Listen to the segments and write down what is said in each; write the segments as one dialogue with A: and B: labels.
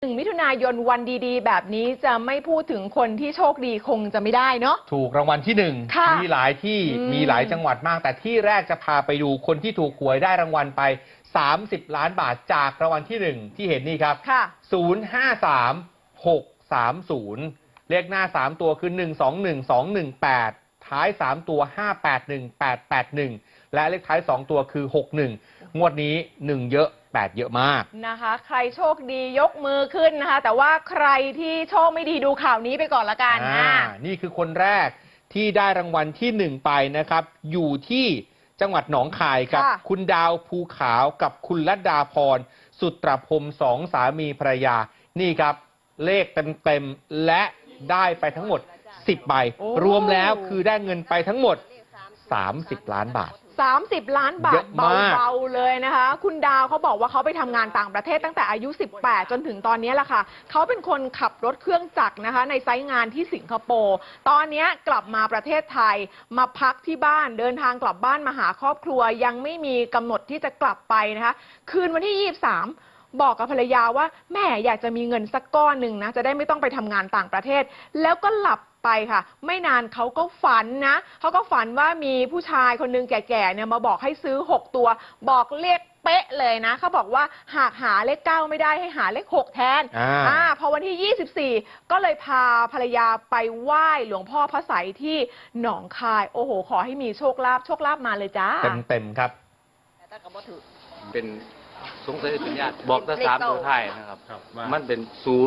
A: มิถุนายนวันดีๆแบบนี้จะไม่พูดถึงคนที่โชคดีคงจะไม่ได้เนาะ
B: ถูกรางวัลที่1มีหลายที่มีหลายจังหวัดมากแต่ที่แรกจะพาไปดูคนที่ถูกหวยได้รางวัลไป30 ล้านบาทจากรางวัลที่1ที่เห็นนี่ครับ053630เลขหน้า3ตัวคือ121218ท้าย3ตัว581881และเลขท้าย2ตัวคือ61งวดนี้1เยอะ8เยอะมาก
A: นะคะใครโชคดียกมือขึ้นนะคะแต่ว่าใครที่โชคไม่ดีดูข่าวนี้ไปก่อนละกัน
B: นี่คือคนแรกที่ได้รางวัลที่1ไปนะครับอยู่ที่จังหวัดหนองคายครับคุณดาวภูขาวกับคุณลัดดาพรสุตรพรม2 สามีภรรยานี่ครับเลขเต็มๆและได้ไปทั้งหมด10 ใบรวมแล้วคือได้เงินไปทั้งหมด30 ล้านบาท
A: 30 ล้านบาทเบาๆเลยนะคะคุณดาวเขาบอกว่าเขาไปทำงานต่างประเทศตั้งแต่อายุ18จนถึงตอนนี้แหละค่ะเขาเป็นคนขับรถเครื่องจักรนะคะในไซต์งานที่สิงคโปร์ตอนนี้กลับมาประเทศไทยมาพักที่บ้านเดินทางกลับบ้านมาหาครอบครัวยังไม่มีกำหนดที่จะกลับไปนะคะคืนวันที่23บอกกับภรรยาว่าแม่อยากจะมีเงินสักก้อนหนึ่งนะจะได้ไม่ต้องไปทำงานต่างประเทศแล้วก็หลับไปค่ะไม่นานเขาก็ฝันนะเขาก็ฝันว่ามีผู้ชายคนนึงแก่ๆเนี่ยมาบอกให้ซื้อ6ตัวบอกเลขเป๊ะเลยนะเขาบอกว่าหากหาเลข9ไม่ได้ให้หาเลข6แทนพอวันที่24ก็เลยพาภรรยาไปไหว้หลวงพ่อพระไสยที่หนองคายโอ้โหขอให้มีโชคลาภมาเลยจ้า
B: เต็มครับ
C: เป็นสงสัยเป็นญาติบอกแต่3 ตัวท้ายนะครับมันเป็น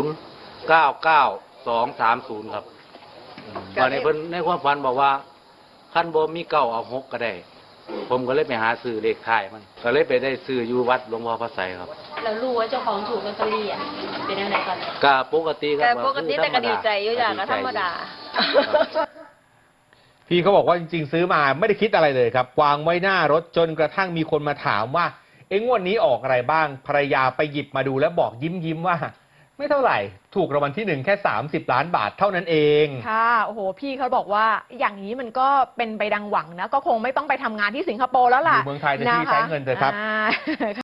C: 099230ครับวันนี้เพิ่นในความฝันบอกว่าขั้นบ่มี9เอา6ก็ได้ผมก็เลยไปหาซื้อเลขท้ายมันก็เลยไปได้ซื้ออยู่วัดหลวงพ่อพระไสยครับ
D: แล้วรู้ว่าเจ้าของถูกลอตเตอรี่เป็นยังไงกัน
C: ก็ปกติครับ
D: ปกติแต่ก็ดีใจอยู่อย่างก็ธรรมดา
B: พี่เขาบอกว่าจริงๆซื้อมาไม่ได้คิดอะไรเลยครับวางไว้หน้ารถจนกระทั่งมีคนมาถามว่างวดนี้ออกอะไรบ้างภรรยาไปหยิบมาดูแล้วบอกยิ้มว่าไม่เท่าไหร่ถูกรางวัลที่1แค่30 ล้านบาทเท่านั้นเอง
A: ค่ะโอ้โหพี่เขาบอกว่าอย่างนี้มันก็เป็นไปดังหวังนะก็คงไม่ต้องไปทำงานที่สิงคโปร์แล้วล่ะ
B: อยู่เมืองไทยแต่ที่ใช้เงินเถอะครับ